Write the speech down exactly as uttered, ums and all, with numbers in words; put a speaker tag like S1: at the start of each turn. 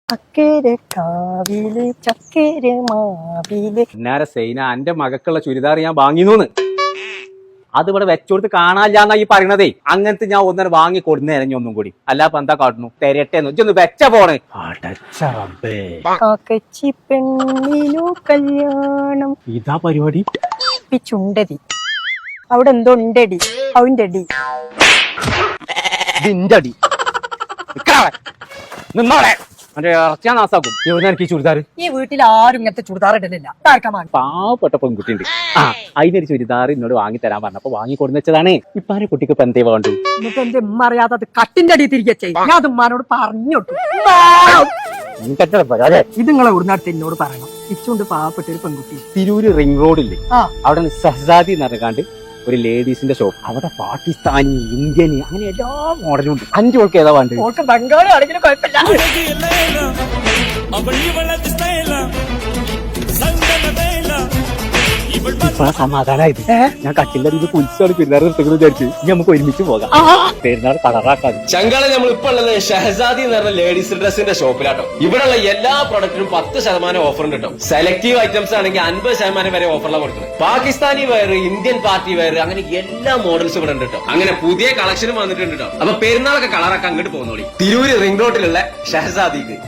S1: അക്കരെ കാവില് ചക്കര മാവില്
S2: പിന്നാരെ സൈന എന്റെ മകക്കുള്ള ചുരിദാർ ഞാൻ വാങ്ങിന്നൂന്ന് അത് ഇവിടെ വെച്ചോടുത്ത് കാണാനില്ലാന്നാ ഈ പറയണതേ. അങ്ങനത്തെ ഞാൻ ഒന്നര വാങ്ങി കൊടുന്നേ ഒന്നും കൂടി അല്ലാപ്പ എന്താ കാട്ടുന്നു തെരട്ടെന്ന് ഇജ്ജൊന്ന് വെച്ച പോണ്.
S1: കാക്കച്ചി പെണ്ണിനു കല്യാണം
S2: ഇതാ പരിപാടി.
S1: ചുണ്ടതി അവിടെ എന്തോ ഉണ്ടടി അവന്റെ അടി
S2: ഇതിന്റെ അടി നിന്നോളെ എന്റെ ഇറച്ചാ നാസാക്കും. എവിടെ എനിക്ക് ചുരിദാർ
S1: ഈ വീട്ടിൽ ആരും ഇങ്ങനത്തെ ചുരിദാർ ഇടലില്ല.
S2: പാവപ്പെട്ട പെൺകുട്ടിയുണ്ട്. ആ അതിനൊരു ചുരിദാർ എന്നോട് വാങ്ങി തരാൻ പറഞ്ഞപ്പോ വാങ്ങി കൊടുന്ന് വെച്ചതാണ്. ഇപ്പാരെ കുട്ടിക്ക് ഇപ്പൊ എന്തേ വേണ്ടു?
S1: എന്നിട്ട് എന്റെ ഉമ്മ അറിയാതെ അത് കട്ടിന്റെ അടി തിരികെ ചെയ്യും. ഞാൻ അത് ഉമ്മാനോട് പറഞ്ഞോട്ടു. ഇത് നിങ്ങളെ ഉടനടുത്ത് എന്നോട് പറയണം. ഇച്ചുണ്ട് പാവപ്പെട്ട ഒരു പെൺകുട്ടി.
S2: തിരൂര് റിംഗ് റോഡില്ലേ അവിടെ സഹസാദി നടക്കാണ്ട് ഒരു ലേഡീസിന്റെ ഷോപ്പ്. അവിടെ പാകിസ്ഥാനി ഇന്ത്യൻ അങ്ങനെ എല്ലാ മോഡലും ഉണ്ട്. അഞ്ചു ഓൾക്ക് ഏതാ വേണ്ടത്?
S1: ഓൾക്ക് ബംഗാളി ആണെങ്കിലും കുഴപ്പമില്ല.
S2: ഇപ്പൊ സമാധാനായത് ഞാൻ കട്ടിന്റെ അടിയിൽ പുലിച്ചാണ് പെരുന്നാൾ നിർത്തുന്നത് വിചാരിച്ചു. ഇനി നമുക്ക് ഒരുമിച്ച് പോകാം. പെരുന്നാൾ കളറാക്കാതെ.
S3: ചങ്കാള നമ്മൾ ഇപ്പൊ ഉള്ളത് ഷഹസാദി എന്ന് പറഞ്ഞ ലേഡീസ് ഡ്രസ്സിന്റെ ഷോപ്പിലാട്ടോ. ഇവിടെയുള്ള എല്ലാ പ്രൊഡക്റ്റിനും പത്ത് ശതമാനം ഓഫർ ഉണ്ട് കേട്ടോ. സെലക്ടീവ് ഐറ്റംസ് ആണെങ്കിൽ അൻപത് ശതമാനം വരെ ഓഫറിലാണ് കൊടുക്കുന്നത്. Pakistani wear, Indian party wear, അങ്ങനെ എല്ലാ മോഡൽസും ഇവിടെ ഉണ്ട് കേട്ടോ. അങ്ങനെ പുതിയ കളക്ഷനും വന്നിട്ടുണ്ട് കേട്ടോ. അപ്പൊ പെരുന്നാളൊക്കെ കളറാക്കാൻ അങ്ങോട്ട് പോകുന്നോളി. തിരൂര് റിംഗ് റോഡിലുള്ള ഷഹസാദിക്ക്.